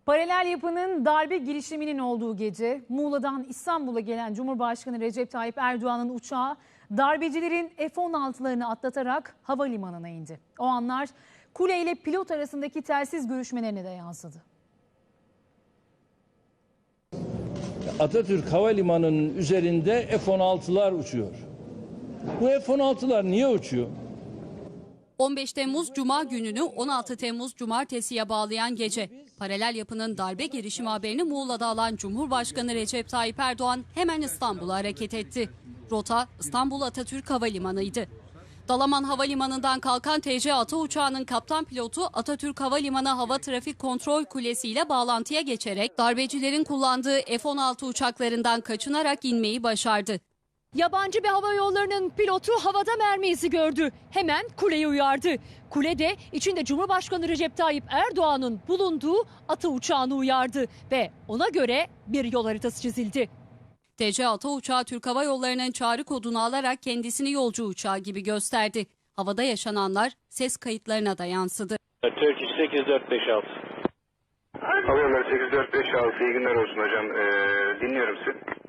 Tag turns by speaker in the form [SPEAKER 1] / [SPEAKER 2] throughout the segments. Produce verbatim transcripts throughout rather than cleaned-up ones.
[SPEAKER 1] Paralel yapının darbe girişiminin olduğu gece Muğla'dan İstanbul'a gelen Cumhurbaşkanı Recep Tayyip Erdoğan'ın uçağı darbecilerin F on altılarını atlatarak havalimanına indi. O anlar kule ile pilot arasındaki telsiz görüşmelerine de yansıdı.
[SPEAKER 2] Atatürk Havalimanı'nın üzerinde F on altılar uçuyor. Bu F on altılar niye uçuyor?
[SPEAKER 3] on beş Temmuz Cuma gününü on altı Temmuz Cumartesi'ye bağlayan gece. Paralel yapının darbe girişimi haberini Muğla'da alan Cumhurbaşkanı Recep Tayyip Erdoğan hemen İstanbul'a hareket etti. Rota İstanbul Atatürk Havalimanı'ydı. Dalaman Havalimanı'ndan kalkan T C Ata uçağının kaptan pilotu Atatürk Havalimanı Hava Trafik Kontrol Kulesi ile bağlantıya geçerek darbecilerin kullandığı F on altı uçaklarından kaçınarak inmeyi başardı.
[SPEAKER 4] Yabancı bir hava yollarının pilotu havada mermi izi gördü. Hemen kuleyi uyardı. Kule de içinde Cumhurbaşkanı Recep Tayyip Erdoğan'ın bulunduğu Ata uçağını uyardı ve ona göre bir yol haritası çizildi.
[SPEAKER 3] T C Ata uçağı Türk Hava Yolları'nın çağrı kodunu alarak kendisini yolcu uçağı gibi gösterdi. Havada yaşananlar ses kayıtlarına da yansıdı.
[SPEAKER 5] Turkish sekiz dört beş altı.
[SPEAKER 6] Hava Yolları sekiz dört beş altı, iyi günler olsun hocam. Ee, dinliyorum sizi.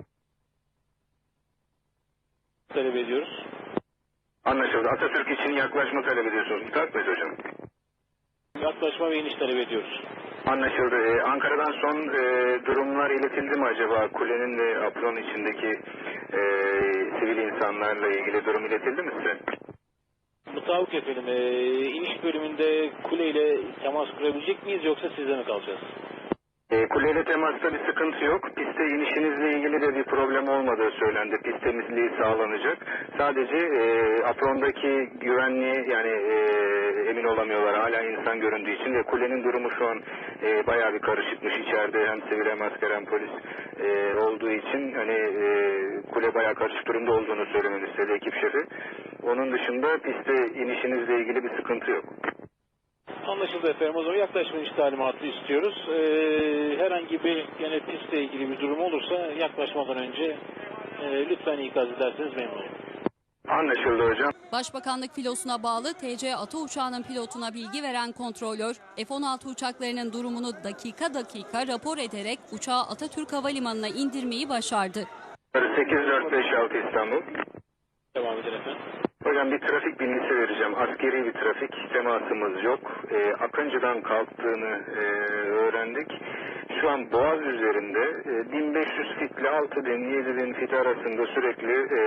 [SPEAKER 5] Talep ediyoruz.
[SPEAKER 6] Anlaşıldı. Atatürk için yaklaşma talep ediyorsunuz. Müsait miyiz hocam?
[SPEAKER 5] Yaklaşma ve iniş talep ediyoruz.
[SPEAKER 6] Anlaşıldı. Ee, Ankara'dan son e, durumlar iletildi mi acaba? Kulenin ve apron içindeki e, sivil insanlarla ilgili durum iletildi mi size?
[SPEAKER 5] Mutabık efendim. E, iniş bölümünde kuleyle temas kurabilecek miyiz yoksa sizde mi kalacağız?
[SPEAKER 6] E, kuleyle temasta bir sıkıntı yok. Piste inişinizle ilgili de bir problem olmadığı söylendi. Pist temizliği sağlanacak. Sadece e, aprondaki güvenliği yani e, emin olamıyorlar. Hala insan göründüğü için ve kulenin durumu şu an e, bayağı bir karışıkmış. İçeride hem sivil hem asker hem polis e, olduğu için hani e, kule bayağı karışık durumda olduğunu söylemeni istedi ekip şefi. Onun dışında piste inişinizle ilgili bir sıkıntı yok.
[SPEAKER 5] Anlaşıldı efendim. O zaman yaklaşma iniş talimatı istiyoruz. Ee, herhangi bir yine pistle ilgili bir durum olursa yaklaşmadan önce e, lütfen ikaz ederseniz memnun olurum.
[SPEAKER 6] Anlaşıldı hocam.
[SPEAKER 3] Başbakanlık filosuna bağlı T C Ata uçağının pilotuna bilgi veren kontrolör F on altı uçaklarının durumunu dakika dakika rapor ederek uçağı Atatürk Havalimanı'na indirmeyi başardı.
[SPEAKER 6] sekiz dört beş altı İstanbul.
[SPEAKER 5] Devam edin efendim.
[SPEAKER 6] Hocam bir trafik bilgisi vereceğim. Askeri bir trafik temasımız yok. E, Akıncı'dan kalktığını e, öğrendik. Şu an Boğaz üzerinde e, bin beş yüz fit ile altı bin yedi bin fit arasında sürekli e,